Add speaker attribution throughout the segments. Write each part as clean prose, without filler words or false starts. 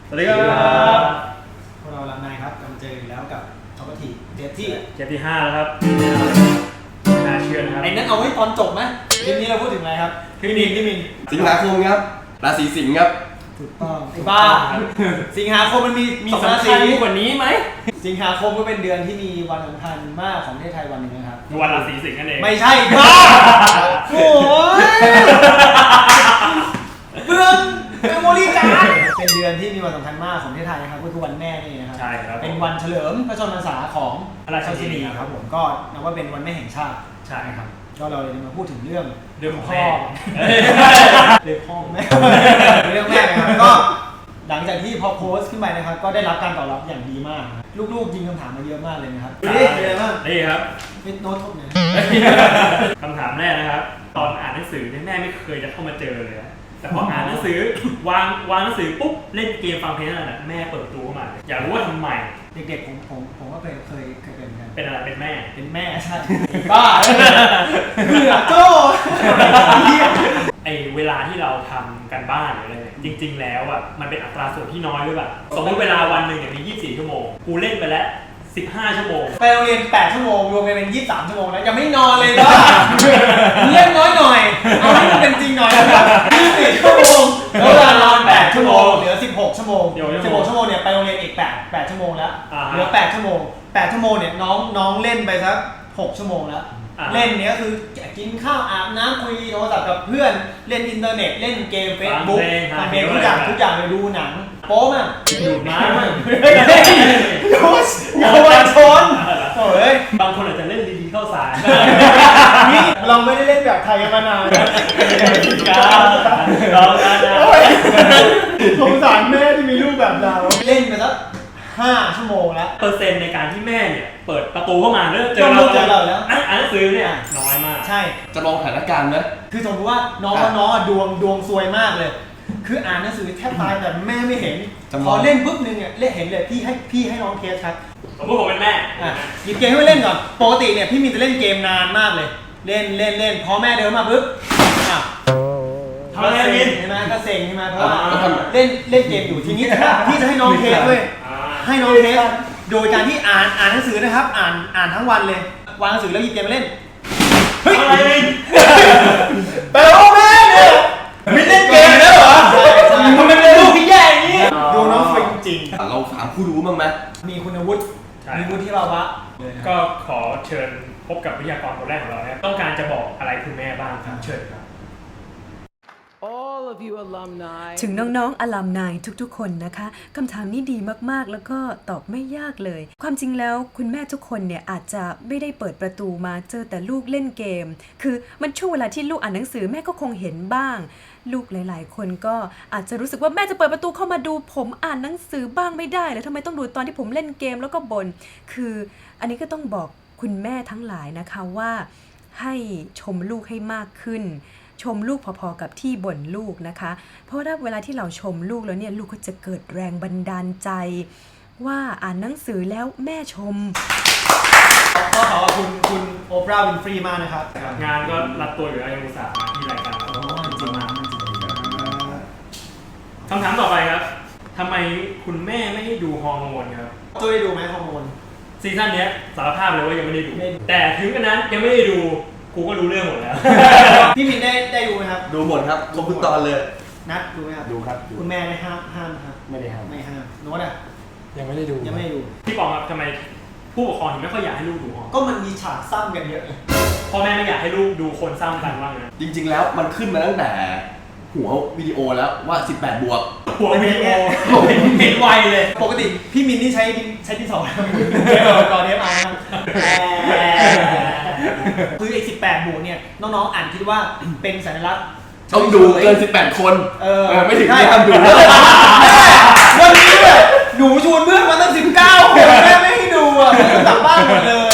Speaker 1: สวัสดีครับ
Speaker 2: พวกเราลังนายครับกำลังเจอแล้วกับท็อปทีเทปที่
Speaker 1: 5แล้วครับน่าเชื่อนะครับ
Speaker 2: ไอ้นั้นเอาไว้ตอนจบไหมคลิปนี้เราพูดถึงอะไรครับพี่มิน
Speaker 3: สิงหาคมครับราศีสิงห์ครับ
Speaker 2: ถูกต้องไอ้บ้าสิงหาคมมันมี
Speaker 1: สำคัญกว่านี้ไหม
Speaker 2: สิงหาคมก็เป็นเดือนที่มีวันสำคัญมากของประเทศไทยวันหนึ่งนะครับ
Speaker 1: วันราศีสิงห์นั่นเอง
Speaker 2: ไม่ใช่บ้าโอ้ยเบื้องเมมโมรี่การ์ดเป็นเดือนที่มีวันสำคัญมากของประเทศไทยนะครับก็คือวันแม่นี่นะครับ
Speaker 1: ใช่ครับ
Speaker 2: เป็นวันเฉลิมพระชนมพรรษาของพระราชินีครับผมก็นับว่าเป็นวันแม่แห่งชาติ
Speaker 1: ใช่ครับ
Speaker 2: ก็เราเลยมาพูดถึงเรื่อง
Speaker 1: ของ
Speaker 2: พ่อเรื่องพ่อแม่เรื่องแม่นะครับก็หลังจากที่พอโพสต์ขึ้นไปนะครับก็ได้รับการตอบรับอย่างดีมากลูกๆยิงคำถามมาเยอะมากเลยนะครับนี่เป็นไงบ้าง
Speaker 1: นี่ครับ
Speaker 2: เป็นโน้ตทบเนี่ย
Speaker 1: คำถามแรกนะครับตอนอ่านหนังสือแม่ไม่เคยจะเข้ามาเจอเลยแต่พออ่านหนังสือวางหนังสือปุ๊บเล่นเกมฟังเพลงนั่นแหละแม่เปิดตัวเข้ามาอยากรู้ว่าทำไม
Speaker 2: เด็กๆผมก็เคยเป็นกัน
Speaker 1: เป็นอะไรเป็นแ
Speaker 2: ม่ใช่บ้าเบื่อโจ้
Speaker 1: ไอเวลาที่เราทำกันบ้านหรืออะไรเนี่ยจริงๆแล้วอ่ะมันเป็นอัตราส่วนที่น้อยหรือเปล่าสมมติเวลาวันหนึ่งเนี่ยมี24ชั่วโมงกูเล่นไปแล้ว15ชั่วโมง
Speaker 2: ไปโรงเรียน8ชั่วโมงรวมกันเป็น23ชั่วโมงนะยังไม่นอนเลยบ้าเล่นน้อยหน่อยเอาให้มันเป็นจริงหน่อยนะครับ24ชั่วโมงแล้วเวลานอน8ชั่วโมงเหลือ16ชั่วโมง16ชั่วโมงเนี่ยไปโรงเรียนอีก8ชั่วโมงแล้วเหลือ8ชั่วโมง8ชั่วโมงเนี่ยน้องเล่นไปสัก6ชั่วโมงแล้วเล่นเนี้ยคือกินข้าวอาบน้ำคุยโทรศัพท์กับเพื่อนเล่นอินเทอร์เน็ตเล่นเกมเฟซบุ๊กฟังเพลงทุกอย่างเลยดูหนังโป๊มั้ง
Speaker 1: ดูดม้ามั้ง
Speaker 2: เยาวชนโอ้ย
Speaker 1: บางคนอาจจะเล่นดีๆเข้าสาร
Speaker 2: นี่เราไม่ได้เล่นแบบไทยมานาน
Speaker 1: เรา
Speaker 2: สงสารแม่ที่มีลูกแบบเราเล่นไปสัก5ชั่วโมงแล้ว
Speaker 1: เปอร์เซ็นต์ในการที่แม่เนี่ยเปิดประตูเข้ามาแล้วเจอเราแล้วอ่านหนังสือเนี่ยน้อยมาก
Speaker 2: ใช่
Speaker 3: จะลองสถานการณ์ไหม
Speaker 2: คือสมมติว่าน้องดวงซวยมากเลยคืออ่านหนังสือแทบตายแต่แม่ไม่เห็นพอเล่นปุ๊บนึงเนี่ยเห็นเลยพี่ให้น้องเทสครับ
Speaker 1: สมมติผมเป็นแม่
Speaker 2: หยิบเกมให้เล่นก่อนปกติเนี่ยพี่มีจะเล่นเกมนานมากเลยเล่นพอแม่เดินมาปุ๊บ
Speaker 1: ทำอะไรกิน
Speaker 2: ใช่ไหมก็เซ็งใช่ไหมเพราะว่าเล่นเกมอยู่ทีนี้พี่จะให้น้องเทสด้วยให้น้องเทสโดยการที่อ่านหนังสือนะครับอ่านทั้งวันเลยวางหนังสือแล้วหยิบเกมมาเล่น
Speaker 1: เฮ้ยอะไร
Speaker 2: แปลว่าแม่เนี่ยไม่เล่นเกมแล้วเหรอทำไมเป็นลูกที่แย่อย่างนี้ดูน้องฟิงจริง
Speaker 3: เราถามผู้รู้บ้างไหม
Speaker 2: มีคุณวุฒิมีวุฒิภาวะ
Speaker 1: ก็ขอเชิญพบกับวิทยากรคนแรกของเราต้องการจะบอกอะไรคุณแม่บ้างครับเชิญครับ
Speaker 4: ถึงน้องๆอลัมนายทุกๆคนนะคะคำถามนี้ดีมากๆแล้วก็ตอบไม่ยากเลยความจริงแล้วคุณแม่ทุกคนเนี่ยอาจจะไม่ได้เปิดประตูมาเจอแต่ลูกเล่นเกมคือมันช่วงเวลาที่ลูกอ่านหนังสือแม่ก็คงเห็นบ้างลูกหลายๆคนก็อาจจะรู้สึกว่าแม่จะเปิดประตูเข้ามาดูผมอ่านหนังสือบ้างไม่ได้เลยทำไมต้องดูตอนที่ผมเล่นเกมแล้วก็บ่นคืออันนี้ก็ต้องบอกคุณแม่ทั้งหลายนะคะว่าให้ชมลูกให้มากขึ้นชมลูกพอๆกับที่บ่นลูกนะคะเพราะว่าเวลาที่เราชมลูกแล้วเนี่ยลูกก็จะเกิดแรงบันดาลใจว่าอ่านหนังสือแล้วแม่ชม
Speaker 2: ก็ขอบคุณโอปราห์วินฟรีมากนะครับ
Speaker 1: งานก็รับตัวอยู่แล้วยังอุตส่าห์มาที่รายการเราจริงมากคำถามต่อไปครับทำไมคุณแม่ไม่ให้ดูฮอร์โมนครับ
Speaker 2: ตัวได้ดูไหมฮอร์โมน
Speaker 1: ซีซั่นนี้สารภาพเลยว่ายังไม่ได้ดูแต่ถึงกันนั้นยังไม่ได้ดูกูก็รู้เรื่องหมดแล้ว
Speaker 2: พี่มินได้ดูไหมครับ
Speaker 3: ดูหมดครับครบทุกตอนเลย
Speaker 2: นัดดูไหมครับ
Speaker 3: ดูครับ
Speaker 2: คุณแม่ได้ห้ามครับ
Speaker 3: ไม่ได้ห้าม
Speaker 2: โน้ตอ่ะ
Speaker 3: ยังไม่ได้ดู
Speaker 1: พี่ปองครับทำไมผู้ปกครองถึงไม่ค่อยอยากให้ลูกดูฮอ
Speaker 2: ก็มันมีฉากซ้ำกันเยอะ
Speaker 1: พ่อแม่ไม่อยากให้ลูกดูคนซ้ำกันว่าไง
Speaker 3: จริงๆแล้วมันขึ้นมาตั้งแต่หัววิดีโอแล้วว่า18 บวก
Speaker 1: หัววิดีโอเห็นไวเลย
Speaker 2: ปกติพี่มินนี่ใช้ที่2ก่อนเทปเอาครับคือไอ้18 บวกเนี่ยน้องๆอ่านคิดว่าเป็นสัญลักษณ์
Speaker 3: ต้องดูเกิน18 คนไม่ถึงที่ห้ามดู
Speaker 2: วันนี้เนี่ยหนูชวนเพื่อนมาตั้ง19 คนแม่ไม่ให้ดูอ่ะกลับบ้านหมดเลย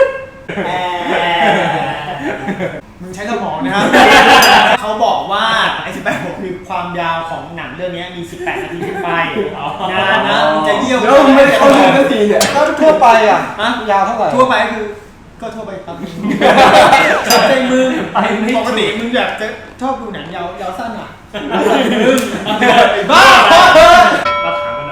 Speaker 2: มึงใช้สมองนะครับเขาบอกว่าไอ้18 บวกคือความยาวของหนังเรื่องนี้มี18 นาทีขึ้นไปนานนะจะเยี่ยม
Speaker 3: แล้วไม่เข้าดูนาทีเนี่ยถ้าทั่วไปอ่ะยาวเท่าไหร่
Speaker 2: ทั่วไปคือก็ทั่วไปตามในมือปกติมึงอยากจะชอบดูหนังยาวสั้นอ่ะมึงบ้า
Speaker 1: เราถามกัน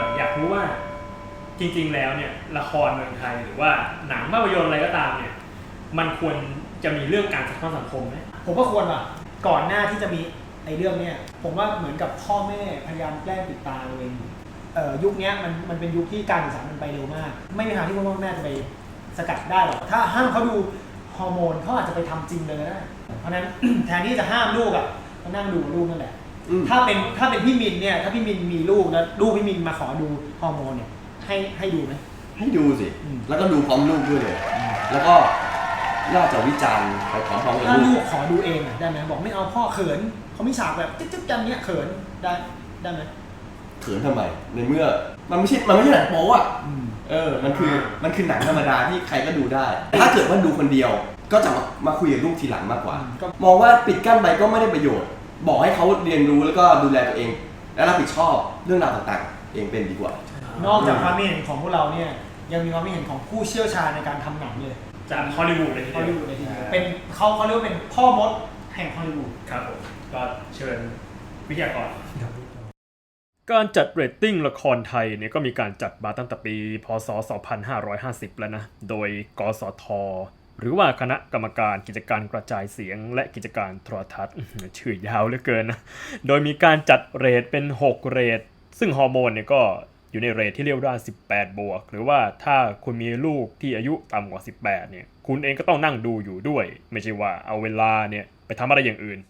Speaker 1: ริงๆแล้วเนี่ยละครเมืองไทยหรือว่าหนังภาพยนตร์อะไรก็ตามเนี่ยมันควรจะมีเรื่องการสะท้อนสังคมไหม
Speaker 2: ผมว่าควรอ่ะก่อนหน้าที่จะมีไอ้เรื่องเนี้ยผมว่าเหมือนกับพ่อแม่พยายามแกล้งปิดตาตัวเองยุคนี้มันเป็นยุคที่การศึกษามันไปเร็วมากไม่มีทางที่พ่อแม่จะไปสกัดได้หรอกถ้าห้ามเขาดูฮอร์โมนเขาอาจจะไปทำจริงเลยก็ได้เพราะนั้น แทนที่จะห้ามลูกอ่ะก็นั่งดูลูกนั่นแหละถ้าเป็นพี่มินเนี่ยถ้าพี่มินมีลูกแล้วลูกพี่มินมาขอดูฮอร์โมนเนี่ยให้ดูไหม
Speaker 3: ให้ดูสิแล้วก็ดูพร้อมลูกด้วยเลยแล้วก็น่าจะวิจารณ์ไปพร้อมๆกับ
Speaker 2: ถ้า
Speaker 3: ลู
Speaker 2: ลู
Speaker 3: ก
Speaker 2: กขอดูเองได้ไหมบอกไม่เอาพ่อเขินเขาไม่ฉากแบบจิ๊บๆกันเนี้ยเขินได้ไหม
Speaker 3: เขินทำไมในเมื่อมันไม่ใช่หนังโป๊อ่ะมันคือหนังธรรมดาที่ใครก็ดูได้ถ้าเกิดว่าดูคนเดียวก็จะมาคุยกับลูกทีหลังมากกว่ามองว่าปิดกั้นไปก็ไม่ได้ประโยชน์บอกให้เขาเรียนรู้แล้วก็ดูแลตัวเองและรับผิดชอบเรื่องราวต่างๆเองเป็นดีกว่าน
Speaker 2: อกจากความเห็นของพวกเราเนี่ยยังมีความเห็นของผู้เชี่ยวชาญในการทำหนังเลย
Speaker 1: จากฮอลลีวูดเลยทีเดียว
Speaker 2: เป็นเขาเรียกว่าเป็นพ่อมดแห่งฮอลลีวูด
Speaker 1: ครับผมก็เชิญวิทยากรการจัดเรตติ้งละครไทยเนี่ยก็มีการจัดมาตั้งแต่ปีพ.ศ. 2550 แล้วนะโดยกสท.หรือว่าคณะกรรมการกิจการกระจายเสียงและกิจการโทรทัศน์ชื่อยาวเหลือเกินนะโดยมีการจัดเรทเป็น6เรทซึ่งฮอร์โมนเนี่ยก็อยู่ในเรทที่เรียกว่า18 บวกหรือว่าถ้าคุณมีลูกที่อายุต่ำกว่า18เนี่ยคุณเองก็ต้องนั่งดูอยู่ด้วยไม่ใช่ว่าเอาเวลาเนี่ยไปทำอะไรอย่างอื่น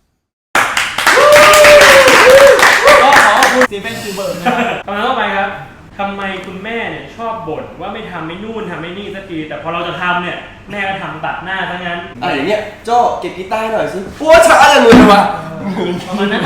Speaker 2: ก็ขอขอบคุณสตีเฟน สปีลเบิร์กนะครับ
Speaker 1: คำถามต่อไปครับทำไมคุณแม่เนี่ยชอบบ่นว่าไม่ทำไม่นู่นทำไม่นี่สักทีแต่พอเราจะทำเนี่ยแม่ก็ทำตัดหน้าทั้งนั้น
Speaker 3: อะไรอย่างเงี้ยโจ้เก็บกีตาร์หน่อยสิปวดช้าจังเลยว่ะ
Speaker 2: ประมาณนั้น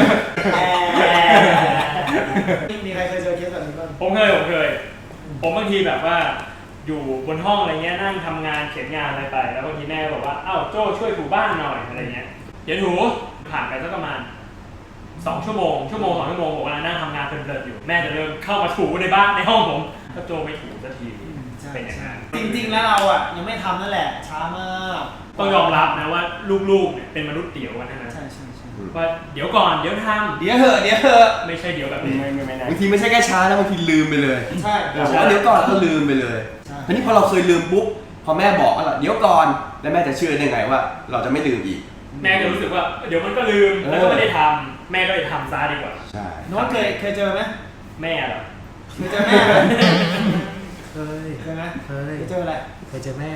Speaker 2: มีใครเคยเจอเคสแบบนี้บ้าง
Speaker 1: ผมเคยผมบางทีแบบว่าอยู่บนห้องอะไรเงี้ยนั่งทำงานเขียนงานอะไรไปแล้วบางทีแม่บอกว่าอ้าวโจ้ช่วยถูบ้านหน่อยอะไรเงี้ยเดี๋ยวถูผ่านไปสักประมาณ2 ชั่วโมงผมกำลังนั่งทำงานเพลินๆอยู่แม่จะเริ่มเข้ามาถูในบ้านในห้องผมก็โจไม่ถูสักทีเป็นอย่างนั้น
Speaker 2: จริงๆแล้วเราอ่ะยังไม่ทำนั่นแหละช้ามาก
Speaker 1: ต้องยอมรับนะว่าลูกๆเนี่ยเป็นมนุษย์เดี่ยวกันนะ
Speaker 2: ใช่
Speaker 1: ว่าเดี๋ยวก่อนเดี๋ยวทำ
Speaker 2: เดี๋ยวเหอะ
Speaker 1: ไม่ใช่เดี๋ยวแบบนี้ไม่
Speaker 3: บางทีไม่ใช่แค่ช้านะบางทีลืมไปเลย
Speaker 2: ใช่
Speaker 3: เดี๋ยวก่อนก็ลืมไปเลยทีนี้พอเราเคยลืมปุ๊บพอแม่บอกว่าเดี๋ยวก่อนแล้วแม่จะเชื่อได้ไงว่าเราจะไม่ลืมอีก
Speaker 1: แม่ก็รู้สึกว่าเดี๋ยวมันก็ลืมแล้วก็ไม่ได้ทำแม่ก็เลยทำซะดีกว่า
Speaker 3: ใช่
Speaker 2: น้องเคยเจอไหม
Speaker 1: แม่เหรอ
Speaker 2: เคยเจอแม่ไหมเคยไหมเคยเจออะไร
Speaker 5: เคยเจอแม่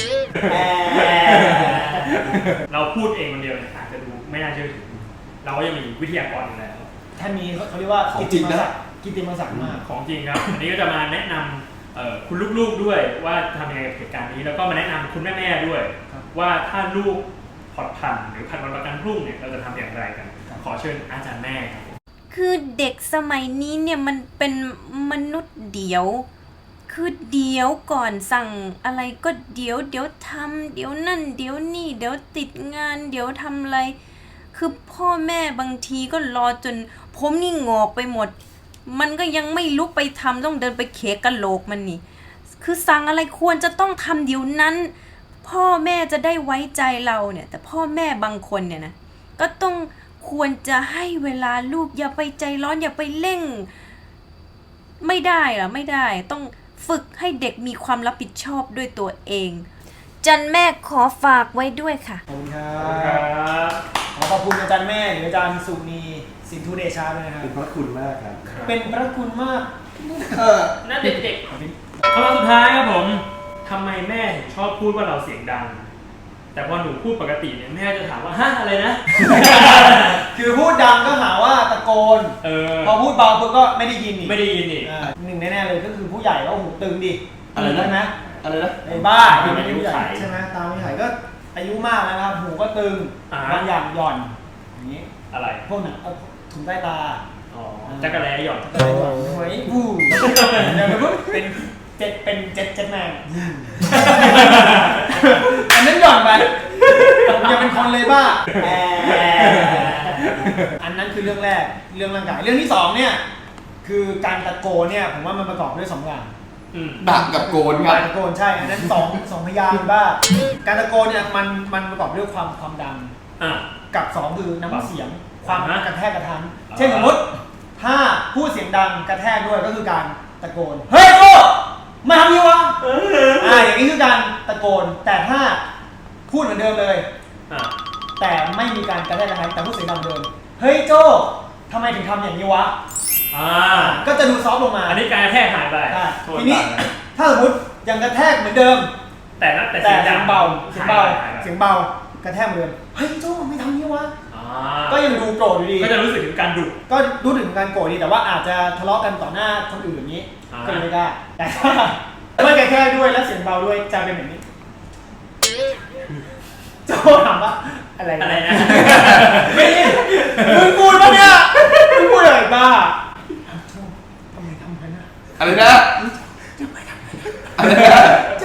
Speaker 1: เราพูดเองคนเดียวเนี่ยอาจจะดูไม่น่าเชื่อถือเราก็ยังมีวิทยากรอยู่แล้ว
Speaker 2: ท่านนี้เขาเรียกว่ากิตติมศักดิ์มาก
Speaker 1: ของจริงครับอันนี้ก็จะมาแนะนำคุณลูกๆด้วยว่าทำยังไงกับเหตุการณ์นี้แล้วก็มาแนะนำคุณแม่ๆด้วยว่าถ้าลูกผ่อนผันหรือผันวันประกันพรุ่งเนี่ยเราจะทำอย่างไรกันขอเชิญอาจารย์แม่ครับ
Speaker 4: คือเด็กสมัยนี้เนี่ยมันเป็นมนุษย์เดี๋ยวคือเดี๋ยวก่อนสั่งอะไรก็เดี๋ยวทำเดี๋ยวนั่นเดี๋ยวนี่เดี๋ยวติดงานเดี๋ยวทำอะไรคือพ่อแม่บางทีก็รอจนผมนี่งอกไปหมดมันก็ยังไม่ลุกไปทำต้องเดินไปเขกกะโหลกมันนี่คือสั่งอะไรควรจะต้องทำเดี๋ยวนั้นพ่อแม่จะได้ไว้ใจเราเนี่ยแต่พ่อแม่บางคนเนี่ยนะก็ต้องควรจะให้เวลาลูกอย่าไปใจร้อนอย่าไปเร่งไม่ได้ต้องฝึกให้เด็กมีความรับผิดชอบด้วยตัวเองจันแม่ขอฝากไว้ด้วยค่ะ
Speaker 2: ขอบคุณครับขอบคุณอาจารย์แม่หรืออาจารย์สุนีสินธุเดชาด้วยนะครับ
Speaker 3: เป็นพระคุณมากครับ
Speaker 2: เป็นพระคุณมาก
Speaker 1: น่าเด็กๆคำถามสุดท้ายครับผมทำไมแม่ถึงชอบพูดว่าเราเสียงดังแต่พอหนูพูดปกติเนี่ยแม่จะถามว่าฮะอะไรนะ
Speaker 2: คือพูดดังก็หาว่าตะโกนพอพูดเบาปุ๊บก็ไม่ได้ยินอีกหนึ่งแน่ๆเลยก็คือผู้ใหญ่ก็หูตึงดิ
Speaker 3: อะไรนะ
Speaker 2: ไอ้บ้าเป็นอายุใหญ่ใช่ไหมตามผู้ใหญ่ก็อายุมากแล้วนะครับหูก็ตึงบางอย่างหย่อนอย่างนี้
Speaker 1: อะไร
Speaker 2: พวกหนังถุงใต้ตา
Speaker 1: จักรแล้หย่อน
Speaker 2: หวยบูอย่างนั้นเป็นเจ็ดแมงอันนั้นหย่อนไปอย่าเป็นคนเลยบ้าอันนั้นคือเรื่องแรกเรื่องร่างกายเรื่องที่2เนี่ยคือการตะโกนเนี่ยผมว่ามันประกอบด้วย2อย่าง
Speaker 3: ดักกับโกนครับ
Speaker 2: ตะโกนใช่อันนั้น2พยางค์บ้าการตะโกนเนี่ยมันประกอบด้วยความดังกับ2คือน้ำเสียงความกระแทกกระทันเช่นสมมติถ้าพูดเสียงดังกระแทกด้วยก็คือการตะโกนเฮ้ยโก้มาทำยังวะอย่างนี้คือการตะโกนแต่ถ้าพูดเหมือนเดิมเลยแต่ไม่มีการกระแทกกระทันแต่พูดเสียงดังเดิมเฮ้ยโจ้ทำไมถึงทำอย่างนี้วะก็จะดูซอฟต์ลงมา
Speaker 1: อันนี้การกระแทกหายไป
Speaker 2: ทีนี้ถ้าสมมติยังกระแทกเหมือนเดิมแต่เสียงเบากระแทกเหมือนเดิมเฮ้ยโจ้ไม่ทำนี้วะก็ยังดูโกรธอยู่ดี
Speaker 1: ก็จะรู้สึกถึงการดุ
Speaker 2: ก็รู้ถึงการโกรธดีแต่ว่าอาจจะทะเลาะกันต่อหน้าคนอื่นอย่างนี้ก็ไม่ได้แต่ถ้าไม่กระแทกด้วยและเสียงเบาด้วยจะเป็นแบบนี้โจ้ถามว่าอะไรนะไม่มึงพูดปะเนี่ยมึงพูดอะไรบ้าทำไมทำกันนะ
Speaker 3: อะไรนะอะไรนะ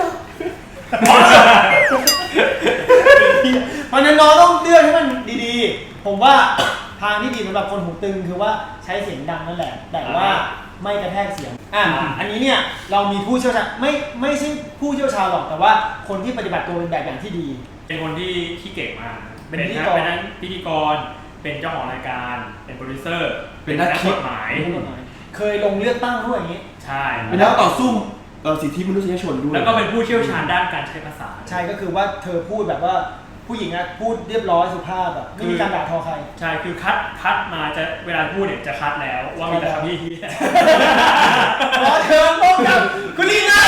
Speaker 2: เพราะนั้นน้องต้องเลือกให้มันดีๆผมว่าทางที่ดีสำหรับคนหูตึงคือว่าใช้เสียงดังนั่นแหละแต่ว่าไม่กระแทกเสียงอันนี้เนี่ยเรามีผู้เชี่ยวชาญไม่ใช่ผู้เชี่ยวชาญหรอกแต่ว่าคนที่ปฏิบัติตัวเป็นแบบอย่างที่ดี
Speaker 1: เป็นคนที่เก่งมากเป็นพิธีกรเป็นเจ้าของรายการเป็นโปรดิวเซอร์เป็นนักกฎหมาย
Speaker 2: เคยลงเลือกตั้งด้วยอย่างนี้
Speaker 1: ใช่
Speaker 3: เป็นนักต่อสู้สิทธิมนุษยชนด้วย
Speaker 1: แล้วก็เป็นผู้เชี่ยวชาญด้านการใช้ภาษา
Speaker 2: ใช่ก็คือว่าเธอพูดแบบว่าผู้หญิงนะพูดเรียบร้อยสุภาพแบบไม่มีการด่าทอใคร
Speaker 1: ใช่คือคัดมาจะเวลาพูดเนี่ยจะคัดแล้วว่ามีแต่คำที่
Speaker 2: ขอเชิญพบกับคุณลีน่า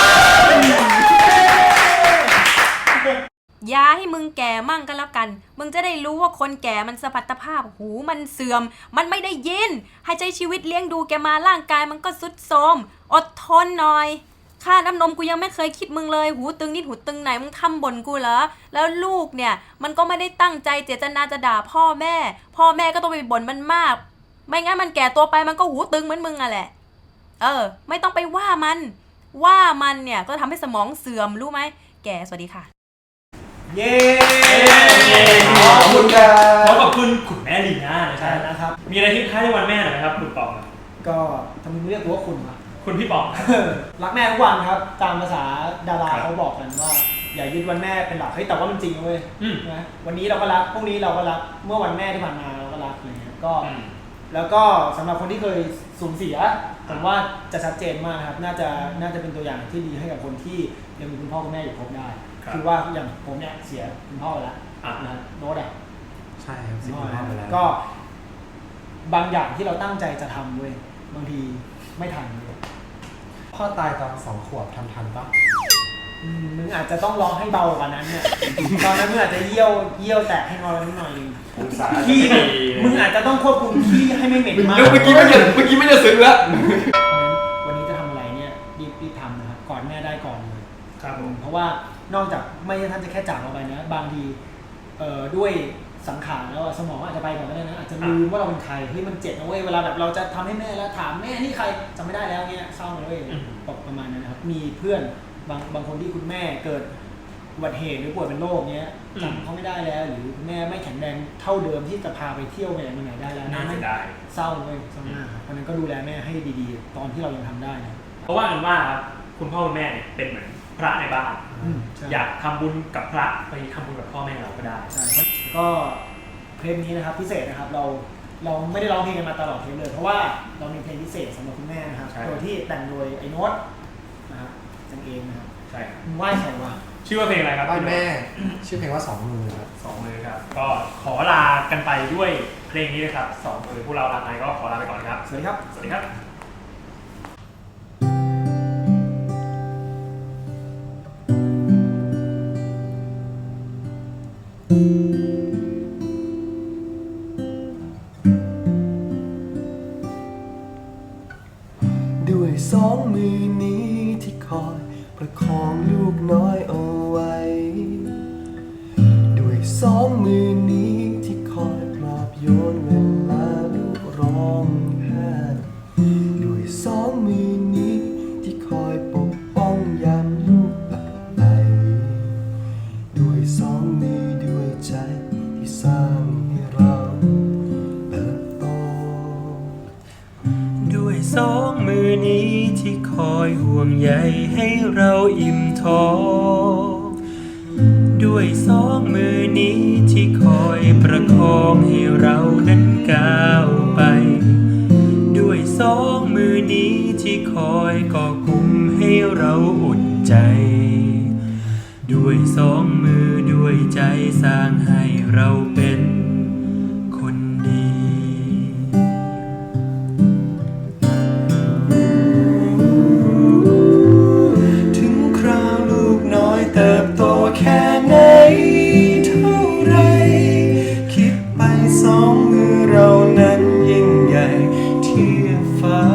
Speaker 4: อย่าให้มึงแก่มั่งก็แล้วกันมึงจะได้รู้ว่าคนแก่มันสมรรถภาพหูมันเสื่อมมันไม่ได้ยินให้ใช้ชีวิตเลี้ยงดูแกมาร่างกายมันก็ทรุดโทรมอดทนหน่อยค่าน้ำนมกูยังไม่เคยคิดมึงเลยหูตึงนิดหูตึงไหนมึงทำบ่นกูเหรอแล้วลูกเนี่ยมันก็ไม่ได้ตั้งใจเจตนาจะด่าพ่อแม่ก็ต้องไปบ่นมันมากไม่งั้นมันแก่ตัวไปมันก็หูตึงเหมือนมึงอะแหละไม่ต้องไปว่ามันเนี่ยก็ทำให้สมองเสื่อมรู้ไหมแกสวัสดีค่ะ
Speaker 2: เย้
Speaker 3: ขอบคุณครับ
Speaker 1: ขอบคุณคุณแม่ลีน่า
Speaker 2: นะครับ
Speaker 1: มีอะไรทิ้งท้ายในวันแม่หน่อยไหมครับคุณปอง
Speaker 2: ก็ทำไมเรียกว่าคุณวะ
Speaker 1: คุณพี่ปอง
Speaker 2: รักแม่ทุกวันครับตามภาษาดาราเขาบอกกันว่าอย่ายึดวันแม่เป็นหลักเฮ้ยแต่ว่ามันจริงเว้ยนะวันนี้เราก็รักพรุ่งนี้เราก็รักเมื่อวันแม่ที่ผ่านมาเราก็รักอะไรเงี้ยก็แล้วก็สำหรับคนที่เคยสูญเสียผมว่าจะชัดเจนมากครับน่าจะเป็นตัวอย่างที่ดีให้กับคนที่ยังมีคุณพ่อคุณแม่อยู่ครบได้คือว่าอย่างผมเนี่ยเสียคุณพ่อไปแล้วนะโน้ต
Speaker 3: ใช่ครับเสียคุณพ่อไปแล้ว
Speaker 2: ก็บางอย่างที่เราตั้งใจจะทำเว้ยบางทีไม่ทันเลย
Speaker 3: พ่อตายตอน2 ขวบทำทันปะ
Speaker 2: มึงอาจจะต้องร้องให้เบากว่านั้นเนี่ยตอนนั้นมึงอาจจะเยี่ยวแตกให้งอนิดหน่อยนึงขี้มึงอาจจะต้องควบคุมขี้ให้ไม่เหม็นมาก
Speaker 3: เมื่อกี้ไม่ได้ซึ้งแล้ว
Speaker 2: วันนี้จะทำอะไรเนี่ยรีบทำนะครับก่อนแม่ได้ก่อนเลยครับผมเพราะว่านอกจากไม่ใช่ท่านจะแค่จากเราไปนะบางทีด้วยสังขารแล้วสมองอาจจะไปก่อนก็ได้นะอาจจะลืมว่าเราเป็นใครเฮ้ยมันเจ็บนะเว้ยเวลาแบบเราจะทำให้แม่แล้วถามแม่นี่ใครจำไม่ได้แล้วเงี้ยเศร้าเลยตกประมาณนั้นนะครับมีเพื่อนบางคนที่คุณแม่เกิดอุบัติเหตุหรือป่วยเป็นโรคเงี้ยจำเขาไม่ได้แล้วหรือแม่ไม่แข็งแรงเท่าเดิมที่จะพาไปเที่ยวไปไหนได้แล้ว
Speaker 1: น่าจะได้
Speaker 2: เศร้าเลยเศร้ามากเพราะนั้นก็ดูแลแม่ให้ดีๆตอนที่เรายังทำได้นะ
Speaker 1: เพราะว่ากันว่าคุณพ่อคุณแม่เนี่ยเป็นเหมือนพระในบ้านอยากทำบุญกับพระไปทำบุญกับพ่อแม่เราก็ได้
Speaker 2: ใช่ก็เพลงนี้นะครับพิเศษนะครับเราไม่ได้ร้องเพลงกันมาตลอดเทปเลยเพราะว่าเรามีเพลงพิเศษสำหรับคุณแม่นะครับโดยที่แต่งโดยไอ้โน้ตนะครับจังเองนะครับ
Speaker 1: ใช่
Speaker 2: ไหว้ใครวะ
Speaker 1: ชื่อว่าเพลงอะไรครับ
Speaker 3: บ้านแม่ชื่อเพลงว่า2 มือครับ
Speaker 1: 2 มือครับก็ขอลากันไปด้วยเพลงนี้นะครับ2 มือพวกเราลาไปก็ขอลาไปก่อนครับ
Speaker 2: สวัสดีครับ
Speaker 1: สวัสดีครับ
Speaker 3: ด้วย2 มือนี้ที่คอยประคองลูกน้อยเอาไว้ด้วย2 มือนี้ที่คอยปลอบโยนเวลาลูกร้องไห้ด้วย2 มือนี้ที่คอยปกป้องยามลูกหลับไหลด้วย2 มือด้วยใจที่สร้างให้เราเติบโตด้วย2 มือนี้ที่คอยห่วงใยให้เราอิ่มท้องด้วย2 มือนี้ที่คอยประคองให้เรานั้นก้าวไปด้วย2 มือนี้ที่คอยก่อกลุ่มให้
Speaker 5: เราอุ่นใจด้วยสองมือด้วยใจสร้างให้เราเป็นคนดี
Speaker 3: ถึงคราวลูกน้อยเติบโตแค่ไหนเท่าไรคิดไปสองมือเรานั้นยิ่งใหญ่เทียบฟ้า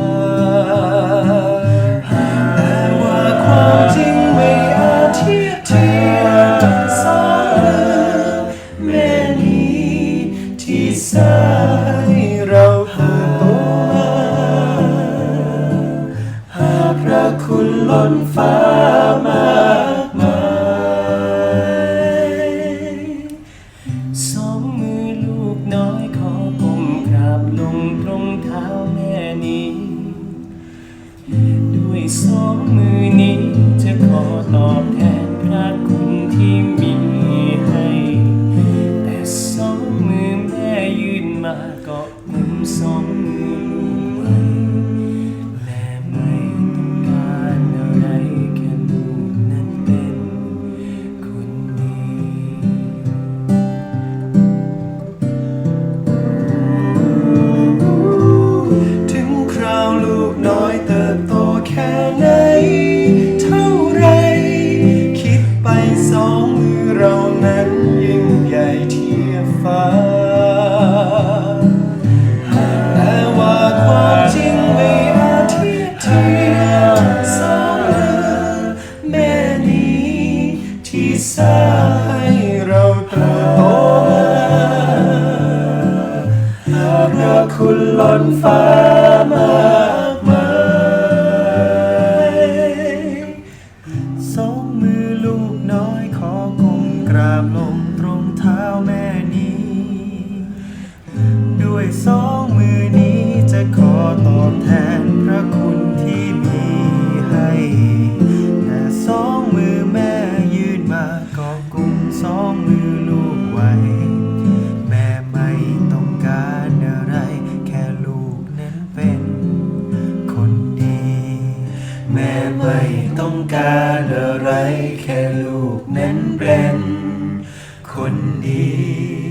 Speaker 3: แต่ว่าความจริงไม่อาจเทียบเทียบสองมือแม่นี้ที่สร้างให้เราเติบโตมาหากพระคุณล้นฟ้ามากมายสองมือลูกน้อยขอก้มกราบลงตรงเท้าแม่นี้ด้วยสองมือนี้จะขอตอบแทนพระคุณที่มีให้แต่สองมือแม่ยื่นมาก็กุมสองมือลูกไว้แม่ไม่ต้องการอะไรแค่ลูกนั้นเป็นคนดี ถึงคราวลูกน้อยเติบโตแค่ไหนเท่าไรคิดไปสองมือเรานั้นยิ่งใหญ่เทียบฟ้าแต่ว่าความจริงไม่อาจเทียบเทียบสองมือแม่นี้ที่สร้างให้เราเติบโตมาพระคุณล้นฟ้ามากมายสองมือลูกน้อยขอก้มกราบลงตรงเท้าแม่นี้ด้วยสองมือนี้จะขอตอบแทนพระคุณที่มีให้แต่สองมือแม่ยื่นมาก็กุมสองมือลูกไว้แม่ไม่ต้องการอะไรแค่ลูกนั้นเป็นคนดี แม่ไม่ต้องการอะไรแค่ลูกนั้นเป็นคนดี